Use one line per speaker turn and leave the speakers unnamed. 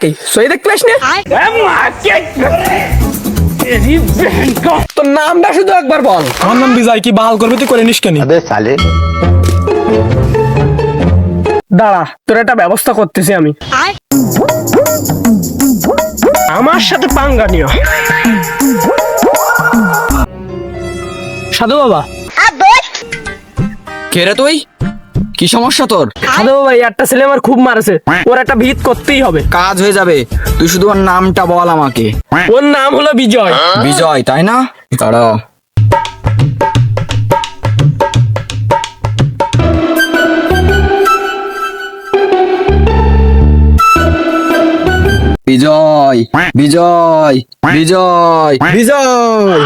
নাকি সই দেখতে পাস না তোর নামটা শুধু একবার বল।
আমার নাম বিজয়। কি বাল করবে তুই করে নিস কেন?
দাঁড়া, তোর একটা ব্যবস্থা করতেছি আমি। আমার সাথে পাঙ্গা নিও। সাধু বাবা।
কে রে তুই? কি সমস্যা তোর?
সাধু বাবা, এই একটা ছেলে আমার খুব মারেছে, ওর একটা ভিত করতেই হবে।
কাজ হয়ে যাবে, তুই শুধু ওর নামটা বল আমাকে।
ওর নাম হলো বিজয়।
বিজয়, তাই না? দাঁড়াও। বিজয় বিজয় বিজয় বিজয়।